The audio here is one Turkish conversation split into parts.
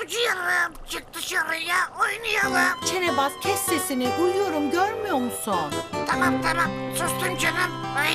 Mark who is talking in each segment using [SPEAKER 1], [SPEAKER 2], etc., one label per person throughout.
[SPEAKER 1] Abucuğum çık dışarıya oynayalım.
[SPEAKER 2] Çenebaz kes sesini. Uyuyorum görmüyor musun?
[SPEAKER 1] Tamam sustum canım. Ay.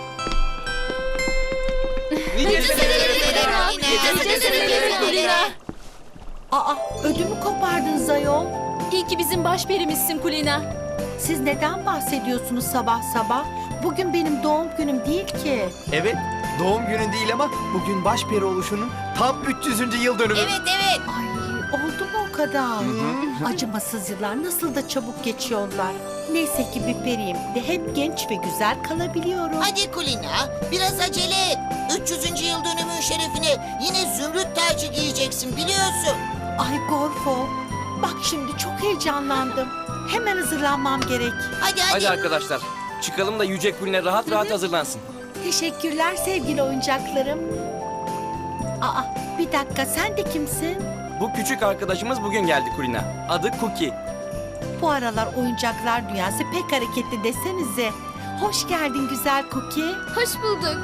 [SPEAKER 2] Aa ödümü kopardınız ayol.
[SPEAKER 3] İyi ki bizim başperimizsin Kulina.
[SPEAKER 2] Siz neden bahsediyorsunuz sabah sabah? Bugün benim doğum günüm değil ki.
[SPEAKER 4] Evet, doğum günün değil ama bugün başperi oluşunun tam 300. yıl dönümü.
[SPEAKER 5] Evet.
[SPEAKER 2] Ay oldu mu o kadar? Acımasız yıllar nasıl da çabuk geçiyorlar. Neyse ki bir periyim de hep genç ve güzel kalabiliyorum.
[SPEAKER 5] Hadi Kulina, biraz acele et. 300. yıl dönümün şerefine yine zümrüt tacı giyeceksin biliyorsun.
[SPEAKER 2] Ay Gorfo, bak şimdi çok heyecanlandım. Hemen hazırlanmam gerek.
[SPEAKER 5] Hadi.
[SPEAKER 6] arkadaşlar, çıkalım da Yüce Kulina rahat rahat hazırlansın.
[SPEAKER 2] Teşekkürler sevgili oyuncaklarım. Aa bir dakika sen de kimsin?
[SPEAKER 6] Bu küçük arkadaşımız bugün geldi Kulina. Adı Cookie.
[SPEAKER 2] Bu aralar oyuncaklar dünyası pek hareketli desenize. Hoş geldin güzel Cookie.
[SPEAKER 3] Hoş bulduk.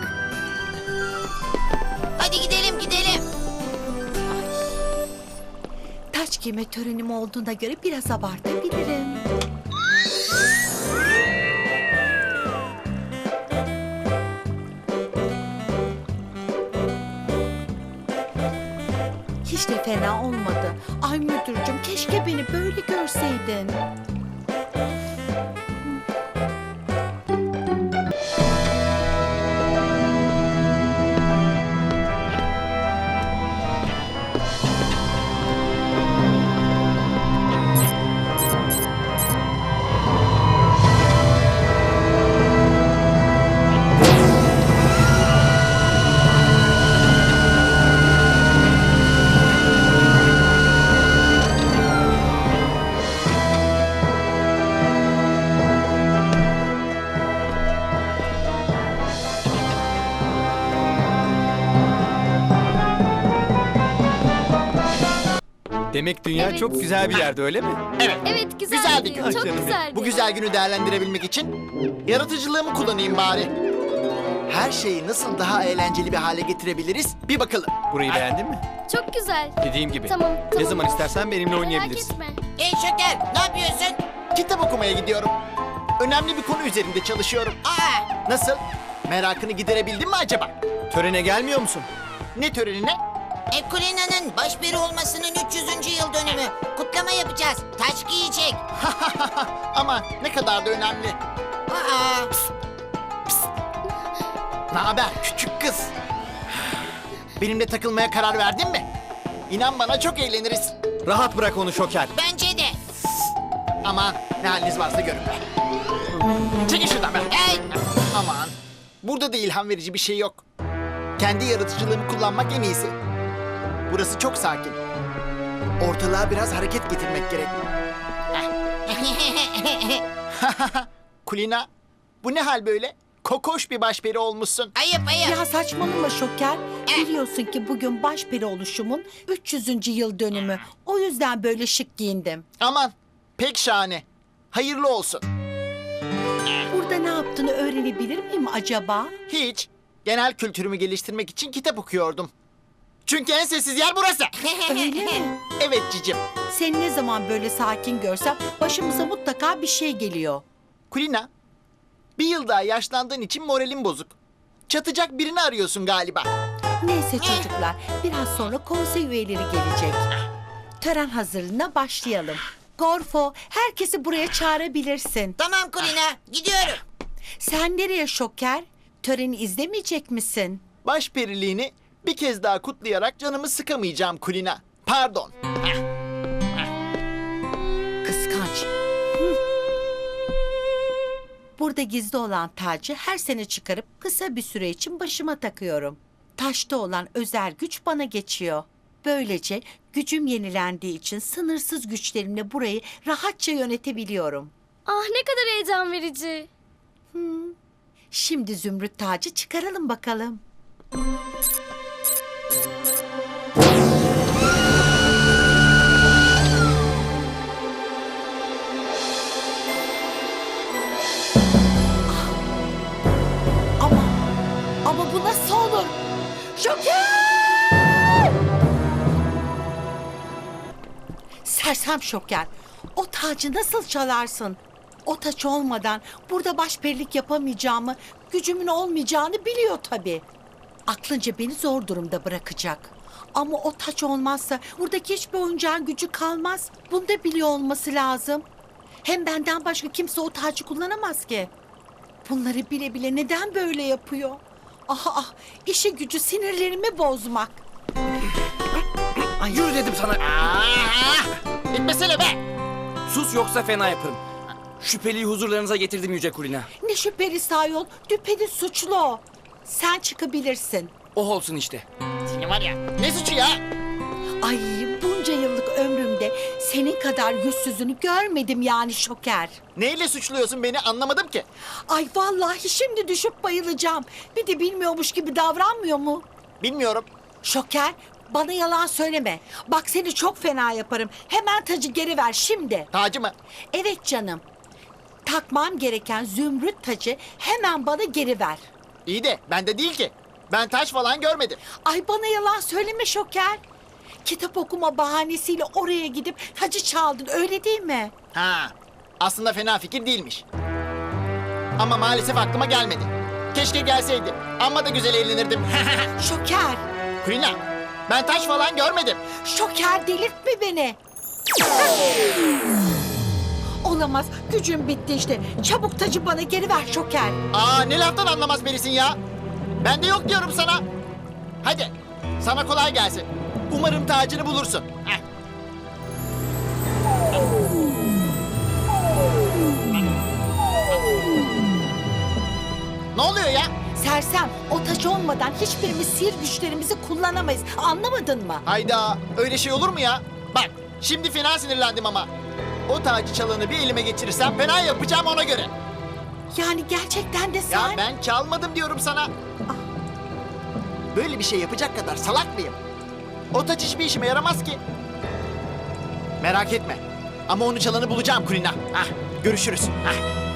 [SPEAKER 5] Hadi gidelim.
[SPEAKER 2] Taç giyme törenim olduğuna göre biraz abartabilirim. Hiç de fena olmadı. Ay müdürcüm keşke beni böyle görseydin.
[SPEAKER 4] Demek dünya
[SPEAKER 3] Evet.
[SPEAKER 4] çok güzel bir yerde öyle mi?
[SPEAKER 3] Evet güzeldi.
[SPEAKER 7] Güzel bir gün.
[SPEAKER 3] Çok
[SPEAKER 4] Canım.
[SPEAKER 3] güzeldi.
[SPEAKER 7] Bu güzel günü değerlendirebilmek için yaratıcılığımı kullanayım bari. Her şeyi nasıl daha eğlenceli bir hale getirebiliriz bir bakalım.
[SPEAKER 4] Burayı beğendin mi?
[SPEAKER 3] Çok güzel.
[SPEAKER 4] Dediğim gibi.
[SPEAKER 3] Tamam.
[SPEAKER 4] Ne zaman istersen benimle
[SPEAKER 3] Merak
[SPEAKER 4] oynayabilirsin.
[SPEAKER 3] etme.
[SPEAKER 5] Ey Şeker, ne yapıyorsun?
[SPEAKER 7] Kitap okumaya gidiyorum. Önemli bir konu üzerinde çalışıyorum.
[SPEAKER 5] Aa,
[SPEAKER 7] Nasıl? Merakını giderebildin mi acaba?
[SPEAKER 4] Törene gelmiyor musun?
[SPEAKER 7] Ne törenine?
[SPEAKER 5] Kulina'nın başperi olmasının 300. yıl dönümü. Kutlama yapacağız. Taç giyecek.
[SPEAKER 7] Ama ne kadar da önemli.
[SPEAKER 5] Aa,
[SPEAKER 7] Ne haber küçük kız? Benimle takılmaya karar verdin mi? İnan bana çok eğleniriz.
[SPEAKER 4] Rahat bırak onu Şoker.
[SPEAKER 5] bence de.
[SPEAKER 7] Aman ne haliniz varsa görün be. Çekil şuradan be.
[SPEAKER 5] Hey,
[SPEAKER 7] Aman burada da ilham verici bir şey yok. Kendi yaratıcılığımı kullanmak en iyisi. Burası çok sakin. Ortalığa biraz hareket getirmek gerek. Kulina, bu ne hal böyle? Kokoş bir başperi olmuşsun.
[SPEAKER 5] ayıp.
[SPEAKER 2] Ya saçmalama Şoker. Biliyorsun ki bugün başperi oluşumun 300. yıl dönümü. O yüzden böyle şık giyindim.
[SPEAKER 7] Aman, pek şahane. Hayırlı olsun.
[SPEAKER 2] Burada ne yaptığını öğrenebilir miyim acaba?
[SPEAKER 7] Hiç. Genel kültürümü geliştirmek için kitap okuyordum. Çünkü en sessiz yer burası.
[SPEAKER 2] Öyle mi?
[SPEAKER 7] Evet cicim.
[SPEAKER 2] Seni ne zaman böyle sakin görsem başımıza mutlaka bir şey geliyor.
[SPEAKER 7] Kulina, bir yıl daha yaşlandığın için moralin bozuk. Çatacak birini arıyorsun galiba.
[SPEAKER 2] Neyse çocuklar, biraz sonra konsey üyeleri gelecek. Tören hazırlığına başlayalım. Gorfo, herkesi buraya çağırabilirsin.
[SPEAKER 5] Tamam Kulina, gidiyorum.
[SPEAKER 2] Sen nereye Şoker? Töreni izlemeyecek misin?
[SPEAKER 7] Başperiliğini bir kez daha kutlayarak canımı sıkamayacağım Kulina. Pardon.
[SPEAKER 2] Kıskanç. Burada gizli olan tacı her sene çıkarıp kısa bir süre için başıma takıyorum. Taşta olan özel güç bana geçiyor. Böylece gücüm yenilendiği için sınırsız güçlerimle burayı rahatça yönetebiliyorum.
[SPEAKER 3] Ah ne kadar heyecan verici.
[SPEAKER 2] Şimdi zümrüt tacı çıkaralım bakalım. Ama bu nasıl olur? Şoker! Sersem Şoker. O tacı nasıl çalarsın? O taç olmadan burada başperilik yapamayacağımı, gücümün olmayacağını biliyor tabii. Aklınca beni zor durumda bırakacak. Ama o taç olmazsa buradaki hiçbir oyuncağın gücü kalmaz. Bunu da biliyor olması lazım. Hem benden başka kimse o tacı kullanamaz ki. Bunları bile bile neden böyle yapıyor? İşi gücü sinirlerimi bozmak. Ay,
[SPEAKER 6] Yürü dedim sana.
[SPEAKER 7] Bitmesene be.
[SPEAKER 6] Sus yoksa fena yaparım. Şüpheliyi huzurlarınıza getirdim Yüce Kulina.
[SPEAKER 2] ne şüpheli ayol, düpedüz suçlu o. Sen çıkabilirsin.
[SPEAKER 6] Oh olsun işte.
[SPEAKER 7] Seni var ya. Ne suçu ya?
[SPEAKER 2] Ay bunca yıllık ömrümde senin kadar yüzsüzünü görmedim yani Şoker.
[SPEAKER 7] Neyle suçluyorsun beni anlamadım ki.
[SPEAKER 2] Ay vallahi şimdi düşüp bayılacağım. Bir de bilmiyormuş gibi davranmıyor mu?
[SPEAKER 7] Bilmiyorum.
[SPEAKER 2] Şoker bana yalan söyleme. Bak seni çok fena yaparım. Hemen tacı geri ver şimdi.
[SPEAKER 7] Tacı mı?
[SPEAKER 2] Evet canım. Takmam gereken zümrüt tacı hemen bana geri ver.
[SPEAKER 7] İyi de bende değil ki. Ben taş falan görmedim.
[SPEAKER 2] Ay bana yalan söyleme Şoker. Kitap okuma bahanesiyle oraya gidip tacı çaldın öyle değil mi?
[SPEAKER 7] Ha, aslında fena fikir değilmiş. Ama maalesef aklıma gelmedi. Keşke gelseydi. Amma da güzel eğlenirdim.
[SPEAKER 2] Şoker.
[SPEAKER 7] Kulina, ben taş falan görmedim.
[SPEAKER 2] Şoker delirtme beni. Olamaz. Gücüm bitti işte. Çabuk tacı bana geri ver Şoker.
[SPEAKER 7] Aa, ne laftan anlamaz birisin ya. Ben de yok diyorum sana. Hadi, sana kolay gelsin. Umarım tacını bulursun. Heh. Ne oluyor ya?
[SPEAKER 2] Sersem o taç olmadan hiçbirimiz sihir güçlerimizi kullanamayız. Anlamadın mı?
[SPEAKER 7] Hayda, öyle şey olur mu ya? Bak, şimdi fena sinirlendim ama. O tacı çalanı bir elime geçirirsem fena yapacağım ona göre.
[SPEAKER 2] Yani gerçekten de
[SPEAKER 7] Ya
[SPEAKER 2] sen...
[SPEAKER 7] ben çalmadım diyorum sana. Böyle bir şey yapacak kadar salak mıyım? O taç hiçbir işime yaramaz ki. Merak etme. Ama onu çalanı bulacağım Kulina. Hah, görüşürüz. Hah.